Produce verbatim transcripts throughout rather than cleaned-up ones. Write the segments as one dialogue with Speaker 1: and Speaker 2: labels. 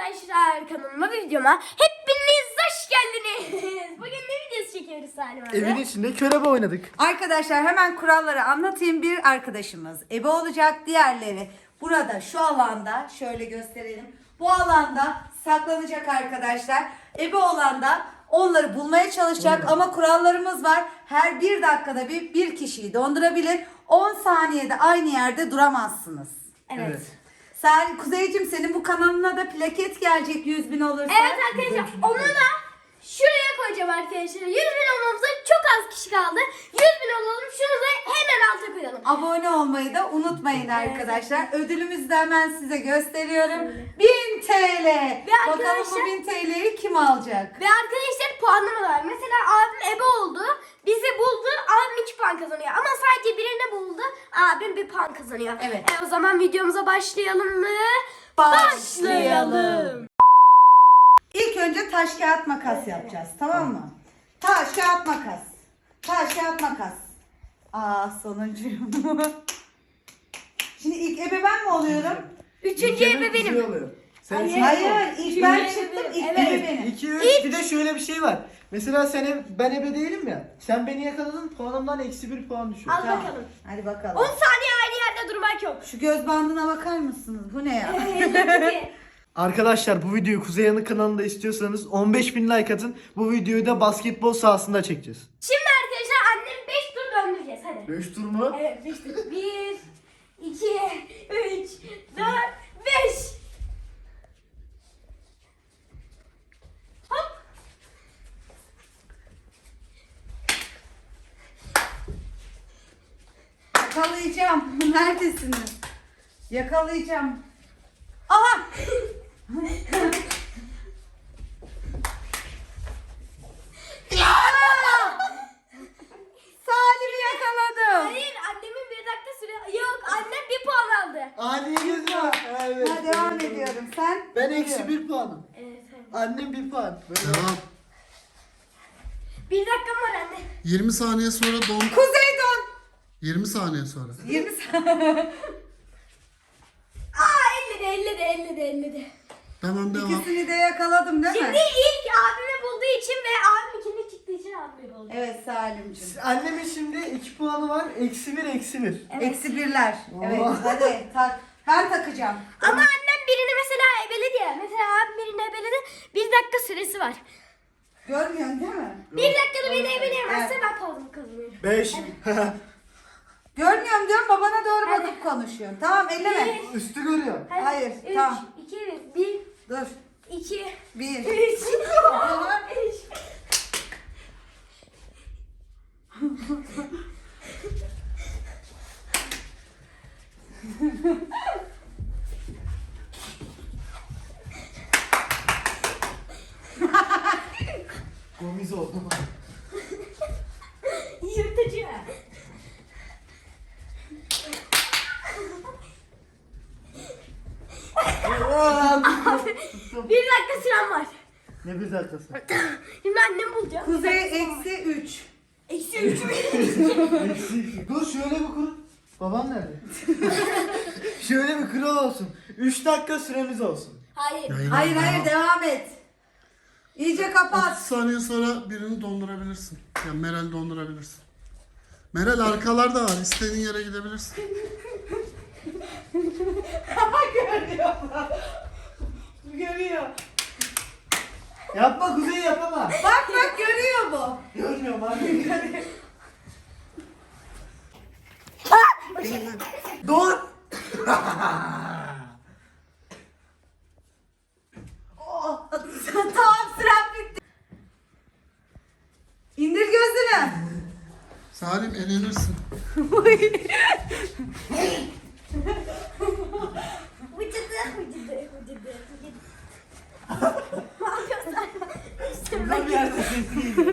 Speaker 1: arkadaşlar, kanalıma ve videoma hepiniz hoş geldiniz. Bugün ne videosu çekiyoruz Salim abi?
Speaker 2: Evin içinde körebe oynadık.
Speaker 3: Arkadaşlar hemen kuralları anlatayım. Bir arkadaşımız ebe olacak, diğerleri burada şu alanda şöyle gösterelim. Bu alanda saklanacak arkadaşlar. Ebe olan da onları bulmaya çalışacak ama kurallarımız var. Her bir dakikada bir bir kişiyi dondurabilir. on saniyede aynı yerde duramazsınız.
Speaker 1: Evet.
Speaker 2: Evet.
Speaker 3: Sen Kuzeyciğim, senin bu kanalına da plaket gelecek yüz bin olursa.
Speaker 1: Evet arkadaşlar, onu da şuraya koyacağım arkadaşlar. yüz bin olmamıza çok az kişi kaldı. yüz bin olalım, şunu da hemen alta koyalım.
Speaker 3: Abone olmayı da unutmayın arkadaşlar. Ödülümüzü de hemen size gösteriyorum. bin TL. Bakalım bu
Speaker 1: arkadaşlar-
Speaker 3: bin T L'yi kim alacak?
Speaker 1: Ve arkadaşlar puanlama var. Mesela abim ebe oldu. Bizi buldu. Abim iki puan kazanıyor. Ama sadece birini buldu. Abim bir puan kazanıyor.
Speaker 3: Evet.
Speaker 1: E, o zaman videomuza başlayalım mı?
Speaker 3: Başlayalım. İlk önce taş kağıt makas yapacağız, tamam mı? Taş kağıt makas. Taş kağıt makas. Aa, sonuncuyum. Şimdi ilk ebe ben mi oluyorum?
Speaker 1: Üçüncü ebe benim.
Speaker 2: Sen
Speaker 1: Hayır.
Speaker 2: üçüncü
Speaker 3: Hayır,
Speaker 2: ol.
Speaker 3: ilk ben
Speaker 1: Üçüncü
Speaker 3: çıktım,
Speaker 1: ebe,
Speaker 3: ilk
Speaker 1: evet.
Speaker 3: ebe
Speaker 2: Bir,
Speaker 3: benim.
Speaker 2: iki, üç. Bir de şöyle bir şey var. Mesela sen eb- ben ebe değilim ya. Sen beni yakaladın, puanımdan eksi bir puan düşüyor.
Speaker 1: Al
Speaker 3: Tamam.
Speaker 1: bakalım.
Speaker 3: Hadi bakalım.
Speaker 1: on saniye aynı yerde durmak yok.
Speaker 3: Şu göz bandına bakar mısınız? Bu ne ya?
Speaker 2: Arkadaşlar bu videoyu Kuzey Yanık kanalında istiyorsanız on beş bin like atın. Bu videoyu da basketbol sahasında çekeceğiz.
Speaker 1: Şimdi arkadaşlar annem beş tur döndüreceğiz. Hadi.
Speaker 2: beş tur mu?
Speaker 1: Evet beş tur. bir, iki, üç, dört, beş. Hop.
Speaker 3: Yakalayacağım. Neredesiniz? Yakalayacağım. Aha! Aa! Salim'i yakaladım.
Speaker 1: Hayır, annemin bir dakika süre... Yok, annem bir puan aldı.
Speaker 2: Ani gözüm. Evet.
Speaker 3: Ha, devam ediyorum. Sen?
Speaker 2: Ben eksi bir puanım.
Speaker 1: Evet, evet.
Speaker 2: Annem bir puan. Böyle.
Speaker 4: Devam.
Speaker 1: Bir dakikam var anne.
Speaker 4: yirmi saniye sonra don.
Speaker 3: Kuzey don.
Speaker 4: yirmi saniye sonra.
Speaker 3: yirmi saniye.
Speaker 1: Aa, elledi, elledi, elledi, elledi.
Speaker 4: Tamam devam.
Speaker 3: İkisini de yakaladım değil
Speaker 1: Şimdi
Speaker 3: mi?
Speaker 1: ilk abimi bulduğu için ve abim ikinci çıktığı için abimi buldu.
Speaker 3: Evet Salim'ciğim.
Speaker 2: Annemin şimdi iki puanı var. Eksi bir, eksi bir.
Speaker 1: Evet.
Speaker 3: Eksi birler. Evet
Speaker 2: Oo.
Speaker 3: hadi tak. Ben takacağım.
Speaker 1: Ama annem birini mesela ebeledi ya. Mesela abim birini ebeledi. Bir dakika süresi var.
Speaker 3: Görmüyorsun değil mi?
Speaker 1: Bir dakikada beni ebeleyemezse
Speaker 3: Evet.
Speaker 1: ben puanımı kazanıyorum.
Speaker 2: Beş.
Speaker 3: Görmüyorum diyorum, babana doğru
Speaker 1: Hadi.
Speaker 3: bakıp konuşuyorsun. Tamam, elleme.
Speaker 2: Üstü görüyor.
Speaker 1: Hadi.
Speaker 3: Hayır,
Speaker 1: Üç,
Speaker 3: tamam.
Speaker 1: iki, bir, bir,
Speaker 3: Dur.
Speaker 1: iki,
Speaker 3: Bir.
Speaker 1: üç, üç.
Speaker 2: Gomiz oldu.
Speaker 1: Yırtıcı. Bir dakika sürem var.
Speaker 2: Ne bir dakikası.
Speaker 1: Şimdi annem bulacağım.
Speaker 3: Kuzey eksi üç.
Speaker 1: Eksi üç.
Speaker 2: Eksi. Dur şöyle bir kur. Baban nerede? Şöyle bir kural olsun. üç dakika süremiz olsun.
Speaker 1: Hayır.
Speaker 4: Hayır,
Speaker 3: Hayır
Speaker 4: devam.
Speaker 3: hayır, devam et. İyice kapat.
Speaker 4: otuz saniye sonra birini dondurabilirsin. Yani Meral dondurabilirsin. Meral arkalarda var. İstediğin yere gidebilirsin.
Speaker 3: Görüyor. Görüyor.
Speaker 2: Yapma Kuzey yapama.
Speaker 3: Bak bak, görüyor bu.
Speaker 2: Görmüyorum abi. Dur.
Speaker 3: Oh, tamam, süren bitti. İndir gözünü.
Speaker 4: Salim elenirsin.
Speaker 1: Vıcıdı, vıcıdı, vıcıdı, vıcıdı. Ne yapıyorsun?
Speaker 2: Burada bir yerde sesi geliyor.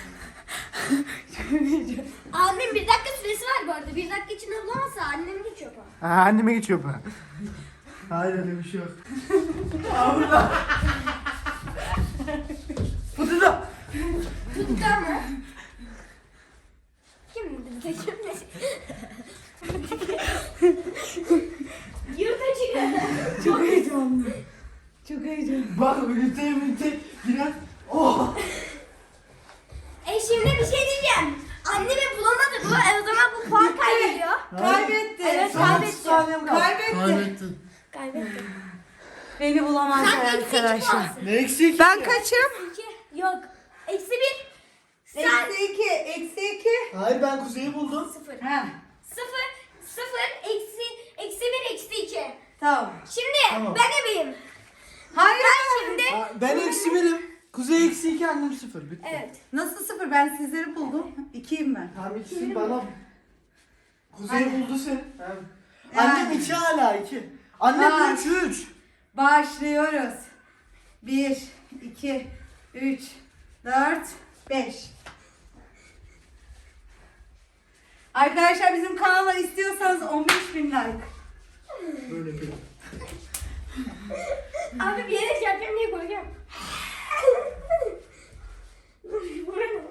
Speaker 1: Annem bir dakika süresi var bu arada. Bir dakika içinde bulamazsa annem geçiyor puan.
Speaker 2: Ha, anneme geçiyor bu. Hayır öyle bir şey yok. Aa, burada.
Speaker 3: Bu da.
Speaker 1: Tuttu ama. Kim dedi? Kim dedi? Yurt açık.
Speaker 3: Çok heyecanlı. Çok heyecanlı.
Speaker 2: Bak ünite ünite giren. Oh.
Speaker 1: E şimdi bir şey diyeceğim. Annemi bulamadı bu. E o zaman bu puan kaybediyor.
Speaker 3: Kaybetti.
Speaker 1: Evet,
Speaker 2: Sana
Speaker 1: kaybetti.
Speaker 2: otuz saniyem kaldı.
Speaker 3: Kaybetti.
Speaker 4: Kaybettin.
Speaker 1: Kaybetti.
Speaker 3: Beni bulamazlar
Speaker 1: Sen eksi iki
Speaker 3: arkadaşlar.
Speaker 1: puansın.
Speaker 2: Ne eksik?
Speaker 3: Ben kaçım?
Speaker 1: İki. Yok. Eksi bir. Sen
Speaker 3: Eksi iki. Eksi iki.
Speaker 2: Hayır ben Kuzey'i buldum.
Speaker 1: sıfır.
Speaker 3: Ha,
Speaker 1: Sıfır. Sıfır. Eksi. Eksi bir. Eksi iki.
Speaker 3: tamam.
Speaker 1: Şimdi
Speaker 2: Tamam.
Speaker 1: ben ebeyim.
Speaker 3: Hayır.
Speaker 1: Ben şimdi.
Speaker 2: Aa, Ben eksi birim. Kuzey eksi iki, annem sıfır. Bitti.
Speaker 1: Evet.
Speaker 3: Nasıl sıfır? Ben sizleri buldum. İkiyim ben.
Speaker 2: Tamam ikisin bana. Kuzey
Speaker 3: Aynen.
Speaker 2: buldu seni. Tamam.
Speaker 3: Yani.
Speaker 2: Annem iki hala iki. Annem
Speaker 3: Vay.
Speaker 2: üç üç.
Speaker 3: Başlıyoruz. Bir, iki, üç, dört, beş. Arkadaşlar bizim kanala istiyorsanız on beş bin like.
Speaker 2: Böyle bir.
Speaker 1: Abi bir yere şey yapacağım diye koyacağım. Bu ne?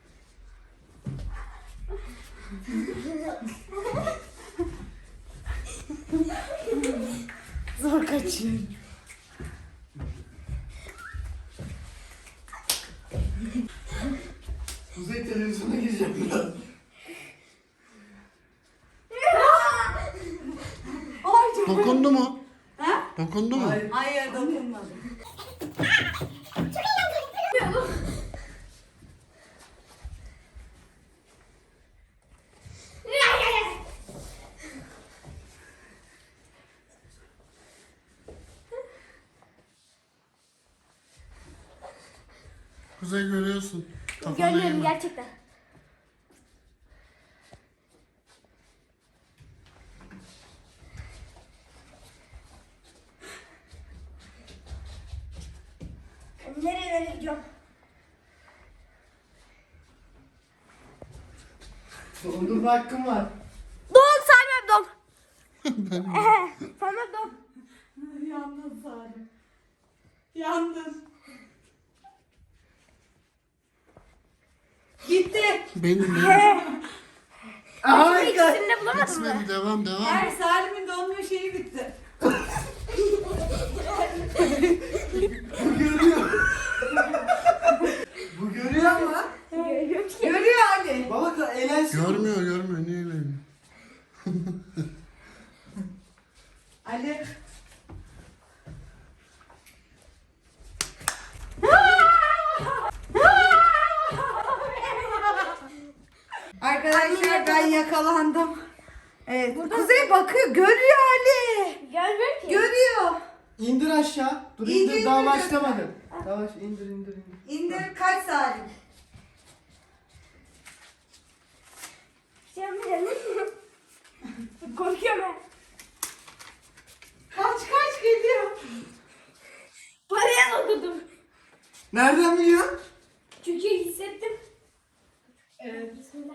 Speaker 3: Zor kaçıyor.
Speaker 2: Kuzey televizyona gireceğim biraz.
Speaker 3: Ay çok
Speaker 4: Dokundu mu?
Speaker 3: Ha?
Speaker 4: Dokundu mu?
Speaker 2: Hayır.
Speaker 3: Hayır dokunmadım.
Speaker 4: Kuzey görüyorsun. Kafana
Speaker 1: Görmüyorum
Speaker 4: yeme.
Speaker 1: gerçekten. Nereye nereye gidiyorum?
Speaker 2: Dondurma hakkım var.
Speaker 1: Don saymam don. Ehe, saymam don.
Speaker 3: Yandın Salim. Yandın. Gitti.
Speaker 4: Benim benim.
Speaker 2: Harika.
Speaker 1: İkisini de bulamadın
Speaker 4: Bitmedi,
Speaker 1: mı?
Speaker 4: devam devam.
Speaker 3: Her Salim'in donmuyor şeyi bitti.
Speaker 2: Bu görüyor. Bu görüyor ama.
Speaker 1: Görüyorum ki.
Speaker 3: Görüyor Ali.
Speaker 2: Baba ka- eğlensin.
Speaker 4: Görmüyor görmüyor. Niye eğleniyor?
Speaker 3: Ali. Arkadaşlar ben yakalandım. Evet. Kuzey bakıyor. Görüyor Ali.
Speaker 1: Görmüyorum ki.
Speaker 3: Görüyor.
Speaker 2: İndir aşağı. Dur
Speaker 3: İndir,
Speaker 2: indir, daha
Speaker 3: indir.
Speaker 2: başlamadım. Yavaş indir indir indir.
Speaker 3: İndir kaç Salim?
Speaker 1: Şey yapmayacağım. Korkuyorum ben.
Speaker 3: Kaç kaç geliyor.
Speaker 1: Paraya dokundum.
Speaker 2: Nereden biliyorsun?
Speaker 1: Çünkü hissettim.
Speaker 3: Evet.
Speaker 1: Bismillah.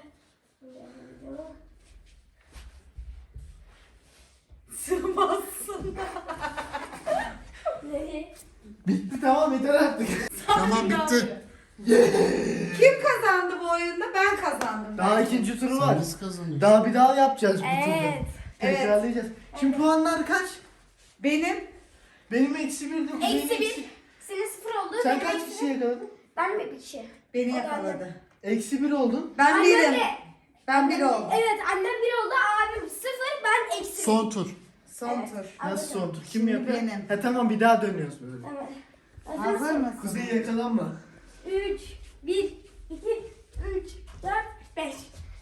Speaker 3: Sığmazsın.
Speaker 1: Nereye?
Speaker 2: Bitti tamam yeter artık.
Speaker 4: Tamam bitti.
Speaker 3: Kim kazandı bu oyunda? Ben kazandım.
Speaker 2: Daha
Speaker 3: bence.
Speaker 2: ikinci turu var.
Speaker 4: Biz kazanıyoruz.
Speaker 2: Daha bir daha yapacağız bu
Speaker 1: Evet.
Speaker 2: turda.
Speaker 3: Evet.
Speaker 2: Tekrarlayacağız. Şimdi puanlar kaç?
Speaker 3: Benim
Speaker 2: Benim eksi birdi. Kuzey'in
Speaker 1: Eksi bir. Senin sıfır oldu.
Speaker 2: Sen
Speaker 1: benim
Speaker 2: kaç
Speaker 1: eksi
Speaker 2: kişi yakaladın?
Speaker 1: Ben mi bir şey?
Speaker 3: beni
Speaker 1: O da
Speaker 3: yakaladı.
Speaker 2: Eksi bir oldun.
Speaker 3: Ben
Speaker 1: Annem
Speaker 3: birim.
Speaker 1: de-
Speaker 3: Ben bir oldum.
Speaker 1: Evet annem bir oldu, abim sıfır, ben eksi bir.
Speaker 4: Son tur.
Speaker 3: Son
Speaker 1: Evet.
Speaker 3: tur.
Speaker 2: Nasıl son tur? Kim
Speaker 3: Şimdi
Speaker 2: yapıyor?
Speaker 3: benim.
Speaker 2: Ha tamam bir daha dönüyoruz böyle.
Speaker 1: Tamam.
Speaker 3: Hazır mısın?
Speaker 2: Kuzey yakalanma.
Speaker 1: üç, bir, iki, üç, dört, beş.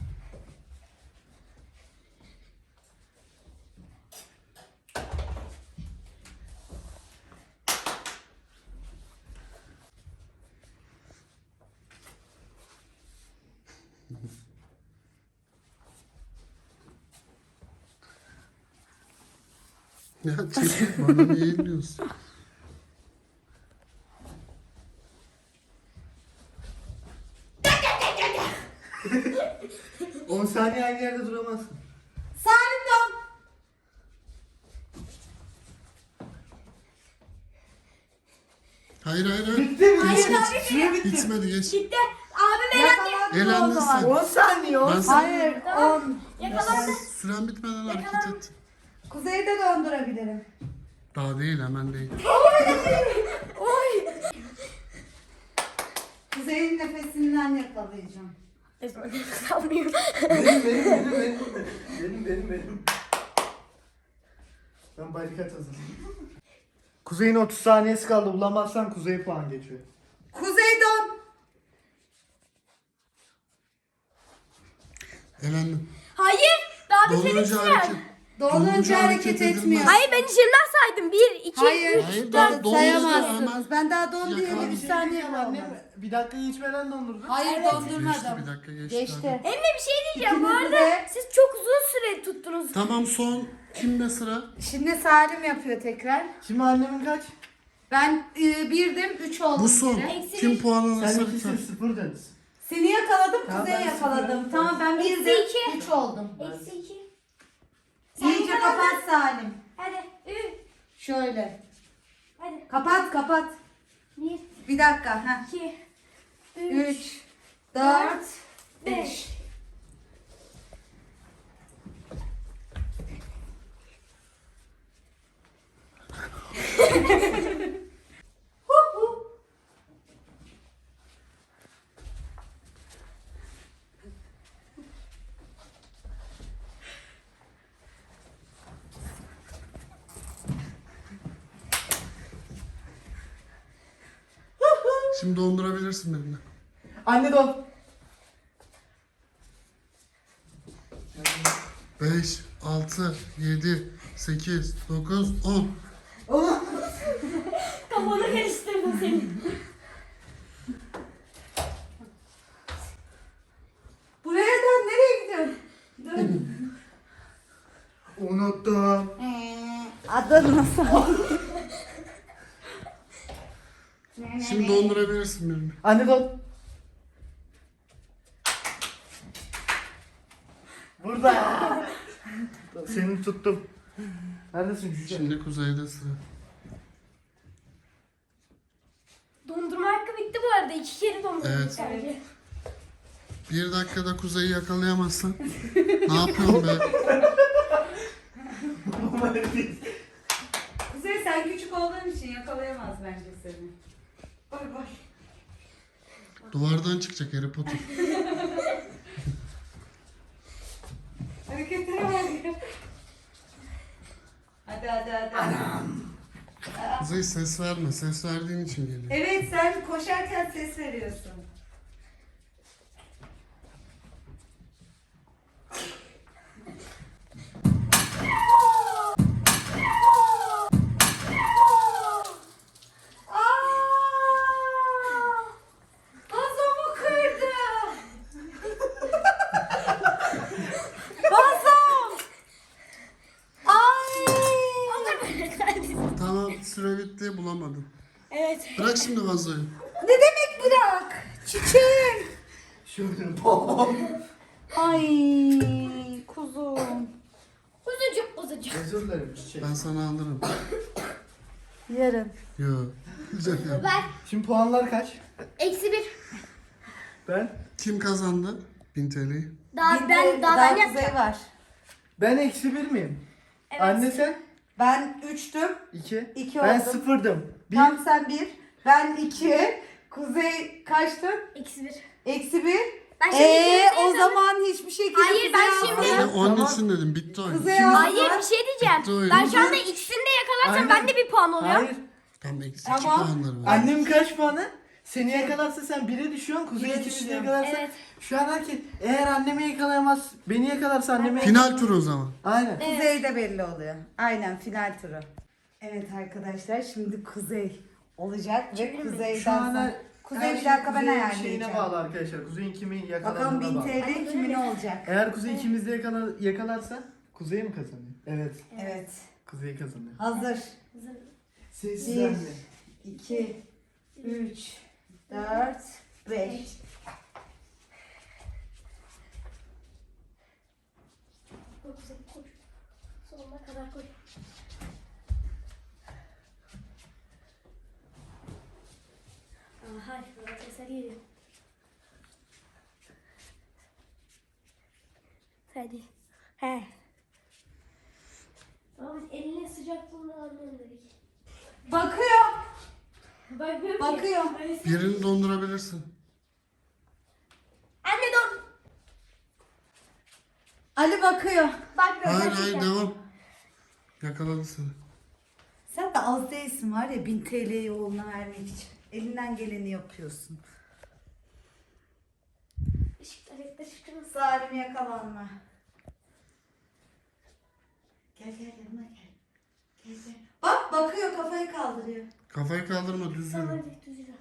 Speaker 4: Ya çekil bana niye eğiliyorsun?
Speaker 2: on saniye aynı yerde duramazsın.
Speaker 3: Salim don.
Speaker 4: Hayır hayır hayır.
Speaker 2: Bitti mi?
Speaker 1: Hayır,
Speaker 2: Bitti.
Speaker 1: abi,
Speaker 2: Süre bitti.
Speaker 4: Bitmedi geç.
Speaker 1: Gitti. Abim elendi.
Speaker 3: Yakalandın
Speaker 4: Elendin
Speaker 3: o zaman.
Speaker 4: sen.
Speaker 2: on saniye on
Speaker 4: Ben
Speaker 2: saniye.
Speaker 3: Hayır on.
Speaker 1: Yakalandı.
Speaker 4: Süren bitmeden hareket et.
Speaker 3: Kuzeyde döndürebilirim.
Speaker 4: Daha değil, hemen değil.
Speaker 1: Oy.
Speaker 3: Kuzey'in nefesinden yakalayacağım.
Speaker 1: Esma kalmıyor.
Speaker 2: Benim benim benim benim. Benim benim benim. Ben barikat hazırlayayım. Kuzey'in otuz saniyesi kaldı. Bulamazsan Kuzey puan geçiyor.
Speaker 3: Kuzey don.
Speaker 4: Elendim.
Speaker 1: Hayır. Daha bir senin
Speaker 4: Dondurucu
Speaker 1: sıran.
Speaker 4: hareket.
Speaker 3: Donunca hareket
Speaker 4: edilmez.
Speaker 3: etmiyor.
Speaker 1: Hayır ben içimden saydım. Bir, iki,
Speaker 3: Hayır.
Speaker 1: üç,
Speaker 4: Hayır,
Speaker 1: dört.
Speaker 4: daha
Speaker 3: Dört
Speaker 4: dondurucu
Speaker 3: sayamazsınız.
Speaker 4: hemen-
Speaker 3: Ben daha don
Speaker 4: Yakala.
Speaker 3: diyeli
Speaker 2: Bir
Speaker 3: bir
Speaker 2: şey
Speaker 3: saniye
Speaker 2: diyeceğim
Speaker 3: bile
Speaker 2: annem.
Speaker 3: olmadı.
Speaker 2: Bir dakika geçmeden dondurdu.
Speaker 3: Hayır
Speaker 4: Geçti,
Speaker 3: dondurmadım.
Speaker 4: bir dakika geçti.
Speaker 3: Geçti.
Speaker 4: hadi.
Speaker 1: Emre bir şey diyeceğim. Bu
Speaker 3: İkinizi
Speaker 1: arada
Speaker 3: de-
Speaker 1: siz çok uzun süre tuttunuz.
Speaker 4: Tamam, son kimde sıra?
Speaker 3: Şimdi Salim yapıyor tekrar.
Speaker 2: Şimdi annemin kaç?
Speaker 3: Ben e, birdim, üç oldum.
Speaker 4: Bu son.
Speaker 3: yine.
Speaker 1: Eksi
Speaker 4: Kim
Speaker 1: bir.
Speaker 4: puan
Speaker 2: Sen
Speaker 4: alırsa
Speaker 2: ikisin
Speaker 4: biter.
Speaker 2: sıfır deriz.
Speaker 3: Seni yakaladım,
Speaker 2: Tamam,
Speaker 3: Kuzey'i
Speaker 2: ben
Speaker 3: yakaladım.
Speaker 2: sıfır.
Speaker 3: Tamam ben
Speaker 1: Eksi
Speaker 3: birdim,
Speaker 1: iki.
Speaker 3: üç oldum.
Speaker 1: Eksi iki.
Speaker 3: İyice kapat Salim.
Speaker 1: Hadi. Üç.
Speaker 3: Şöyle.
Speaker 1: Hadi.
Speaker 3: Kapat kapat.
Speaker 1: Bir,
Speaker 3: Bir dakika. Heh.
Speaker 1: iki, üç,
Speaker 3: Üç, dört, beş.
Speaker 1: beş.
Speaker 4: Şimdi dondurabilirsin benimle.
Speaker 2: Anne don.
Speaker 4: beş, altı, yedi, sekiz, dokuz, on.
Speaker 1: Kafanı karıştırdım senin.
Speaker 3: Buraya dön, nereye gidiyorsun? Dön.
Speaker 2: Unuttum.
Speaker 3: Adın nasıl?
Speaker 4: Şimdi dondurabilirsin benimle.
Speaker 2: Anne don. Burada. Seni tuttum. Neredesin cüce?
Speaker 4: Şimdi Kuzey'de sıra.
Speaker 1: Dondurma hakkı bitti bu arada. İki kere dondurduk
Speaker 4: Evet.
Speaker 1: bence.
Speaker 4: Bir dakikada Kuzey'i yakalayamazsan ne yapıyorsun be?
Speaker 3: Kuzey sen küçük olduğun için yakalayamaz bence seni. Bay bay.
Speaker 4: Duvardan çıkacak Harry Potter.
Speaker 3: Hareketlere bak. Hadi hadi hadi.
Speaker 4: Kuzey ses verme. Ses verdiğin için geliyor.
Speaker 3: Evet sen koşarken ses veriyorsun. Aa! Vazomu kırdı. Vazom. Ay.
Speaker 1: Allah böyle kahretsin.
Speaker 4: Tamam, süre bitti, bulamadım.
Speaker 1: Evet.
Speaker 4: Bırak şimdi vazoyu.
Speaker 3: Ne demek bırak? Çiçeğim.
Speaker 2: Şöyle bom.
Speaker 3: Ay kuzum.
Speaker 1: Kuzucuk kuzucuk.
Speaker 2: Özür dilerim çiçek.
Speaker 4: Ben sana alırım.
Speaker 3: Yarın.
Speaker 4: Yo. Güzel ya.
Speaker 1: Ver.
Speaker 2: Şimdi puanlar kaç?
Speaker 1: Eksi bir.
Speaker 2: Ben?
Speaker 4: Kim kazandı? bin T L'yi.
Speaker 1: Daha ben daha, ben
Speaker 3: kuzey
Speaker 1: yapacağım.
Speaker 3: var.
Speaker 2: Ben eksi bir miyim?
Speaker 1: Evet.
Speaker 2: Anne sen?
Speaker 3: Ben üçtüm.
Speaker 2: İki.
Speaker 3: İki
Speaker 2: Ben
Speaker 3: oldum.
Speaker 2: sıfırdım. Bir.
Speaker 3: Tam sen bir. Ben iki. Kuzey kaçtın?
Speaker 1: Eksi bir.
Speaker 3: Eksi bir.
Speaker 1: Ben şimdi
Speaker 3: Eee
Speaker 1: Kuzey'e
Speaker 3: o
Speaker 1: sana-
Speaker 3: zaman hiçbir şekilde
Speaker 1: Hayır, ben
Speaker 3: Kuzey
Speaker 1: şimdi-
Speaker 3: almıyor.
Speaker 4: Ben onun
Speaker 2: Tamam.
Speaker 4: için dedim, bitti oyun.
Speaker 3: Kuzey
Speaker 2: Şimdi-
Speaker 3: aldı.
Speaker 1: Hayır bir şey diyeceğim.
Speaker 4: Bitti oyun.
Speaker 1: Ben şu anda ikisini de yakalarsam
Speaker 2: Aynen.
Speaker 1: ben de bir puan oluyor.
Speaker 2: Hayır.
Speaker 4: Tam eksi
Speaker 3: Tamam.
Speaker 4: iki puanları var.
Speaker 2: Annem kaç puanı? Seni yakalarsa sen bire düşüyorsun. Kuzey
Speaker 3: Bire
Speaker 2: ikimizi
Speaker 3: düşüyorum.
Speaker 2: yakalarsa.
Speaker 1: Evet.
Speaker 2: Şu an herkes eğer annemi yakalayamaz, beni yakalarsa annemi
Speaker 4: Final tur o zaman.
Speaker 2: Aynen.
Speaker 1: Evet.
Speaker 3: Kuzey de belli oluyor. Aynen final turu. Evet arkadaşlar şimdi Kuzey olacak ve
Speaker 1: Çevirir miyim?
Speaker 3: Kuzey'den
Speaker 2: Şu an
Speaker 3: sonra.
Speaker 2: her-
Speaker 3: Kuzey
Speaker 2: her
Speaker 3: bir
Speaker 2: şey
Speaker 3: dakika ben
Speaker 2: Kuzey'in
Speaker 3: ayarlayacağım.
Speaker 2: şeyine bağlı arkadaşlar. Kuzey'in kimi
Speaker 3: Bakalım
Speaker 2: yakaladığına
Speaker 3: bin
Speaker 2: bağlı.
Speaker 3: T L kimin olacak?
Speaker 2: Eğer Kuzey ikimizi de yakala, yakalarsa Kuzey mi kazanıyor? Evet.
Speaker 3: Evet.
Speaker 2: Kuzey kazanıyor.
Speaker 3: Hazır.
Speaker 2: Sessiz
Speaker 3: Bir.
Speaker 2: anne.
Speaker 3: iki, üç, dört, beş.
Speaker 1: Koy Kuzey, koy. Sonuna kadar koy. Aha, şurada sesler geliyor. Hadi. He. Ama biz elinin sıcaklığını anlayalım dedik. Bakıyorum ki.
Speaker 3: Bakıyor.
Speaker 4: Birini dondurabilirsin.
Speaker 1: Anne dur.
Speaker 3: Ali bakıyor.
Speaker 1: Bakmıyorum.
Speaker 4: Hayır hayır
Speaker 1: gerçekten.
Speaker 4: devam. Yakaladı seni.
Speaker 3: Sen de az değilsin var ya bin T L'yi oğluna vermek için. Elinden geleni yapıyorsun.
Speaker 1: Işıklar ışıklar ışıklar.
Speaker 3: Salim yakalanma. Gel gel yanıma gel. Gel gel. Bak bakıyor kafayı kaldırıyor.
Speaker 4: Kafayı kaldırma düz yürü.
Speaker 1: Hadi düz yürü.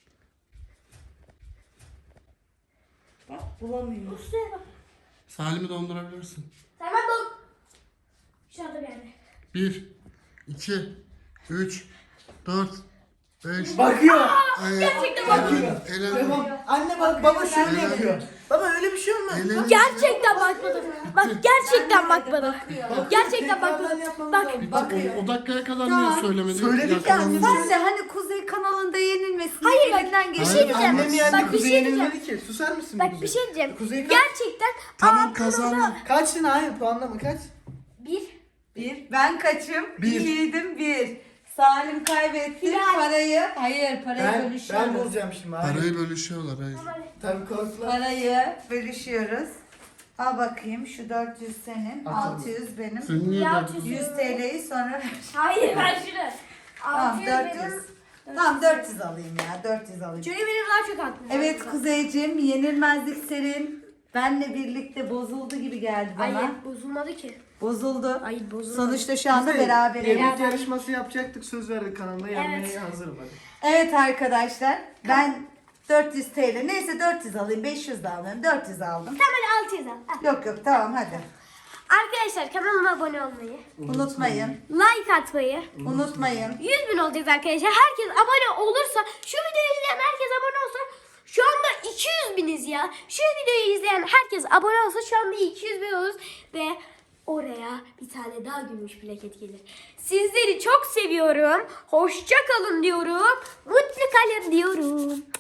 Speaker 3: Bak bulamıyor.
Speaker 1: Şuraya bak.
Speaker 4: Salim'i dondurabilirsin.
Speaker 1: Tamam dur. Dışarıda bir yerde.
Speaker 4: Bir, iki, üç, dört, beş.
Speaker 2: Bakıyor.
Speaker 1: Gerçekten
Speaker 2: Bakıyor.
Speaker 4: Elendi.
Speaker 2: Tamam. Anne bak baba şöyle yapıyor. Baba öyle bir şey olmaz.
Speaker 4: Elendi.
Speaker 1: Gerçekten bakmadım. Bak gerçekten bakmadım. Gerçekten
Speaker 2: Tekrardan
Speaker 1: bakmadım.
Speaker 2: yapmamız
Speaker 1: Bak.
Speaker 2: lazım.
Speaker 4: Bak
Speaker 3: Bakıyor.
Speaker 4: o, o dakikaya kadar
Speaker 3: Tamam.
Speaker 4: niye söylemedin?
Speaker 2: Söyledik ya,
Speaker 4: Yakalandı.
Speaker 3: Sen de hani Kuzey kanalında yenilmesin.
Speaker 1: Hayır, bak,
Speaker 3: elinden
Speaker 1: bir
Speaker 3: geçen.
Speaker 1: şey diyeceğim.
Speaker 2: Annem yendi,
Speaker 1: Bak, bir
Speaker 2: Kuzey
Speaker 1: şey
Speaker 2: yenilmedi ki. Susar mısın?
Speaker 1: Bak
Speaker 2: Kuzey?
Speaker 1: bir şey diyeceğim.
Speaker 2: Kuzey kaç?
Speaker 1: Gerçekten
Speaker 4: Tamam
Speaker 1: abim
Speaker 4: kazandı.
Speaker 1: orada-
Speaker 2: Kaçtın hayır puanlama kaç?
Speaker 1: Bir.
Speaker 3: Bir. Ben kaçım?
Speaker 2: Bir.
Speaker 3: Yiğidim bir. Salim kaybetti.
Speaker 1: Hilal.
Speaker 3: Parayı. Hayır parayı
Speaker 2: Ben, ben
Speaker 3: bölüşüyoruz.
Speaker 2: bulacağım şimdi. Hayır.
Speaker 4: Parayı bölüşüyorlar hayır.
Speaker 2: Tabii korktular.
Speaker 3: Parayı bölüşüyoruz. Al bakayım şu dört yüz senin.
Speaker 2: Atalım.
Speaker 3: altı yüz benim.
Speaker 4: Sen niye
Speaker 1: Ya,
Speaker 4: dört yüz-
Speaker 3: yüz T L'yi sonra ver.
Speaker 1: Hayır ver şunu.
Speaker 3: Tamam
Speaker 1: Altı yüz
Speaker 3: dört yüz.
Speaker 1: benim.
Speaker 3: Tamam dört yüz alayım ya dört yüz alayım.
Speaker 1: Çünkü benim daha çok hakkım var.
Speaker 3: Evet Kuzeyciğim yenilmezlik serin benle birlikte bozuldu gibi geldi bana.
Speaker 1: Hayır bozulmadı ki.
Speaker 3: Bozuldu.
Speaker 1: Hayır bozulmadı.
Speaker 3: Sonuçta şu anda
Speaker 2: Kuzey,
Speaker 3: beraberiz.
Speaker 2: Yemek yarışması yapacaktık söz verdik kanalda yenmeye
Speaker 1: Evet.
Speaker 2: hazırım hadi.
Speaker 3: Evet arkadaşlar ben dört yüz T L neyse dört yüz alayım beş yüz de almıyorum dört yüz aldım.
Speaker 1: Tamam altı yüz al. Al.
Speaker 3: Yok yok tamam hadi.
Speaker 1: Arkadaşlar kanalıma abone olmayı,
Speaker 3: Unutmayın.
Speaker 1: like atmayı,
Speaker 3: Unutmayın.
Speaker 1: yüz bin olacağız arkadaşlar. Herkes abone olursa, şu videoyu izleyen herkes abone olsa şu anda iki yüz biniz ya. Şu videoyu izleyen herkes abone olsa şu anda iki yüz bin oluruz ve oraya bir tane daha gümüş plaket gelir. Sizleri çok seviyorum. Hoşça kalın diyorum. Mutlu kalın diyorum.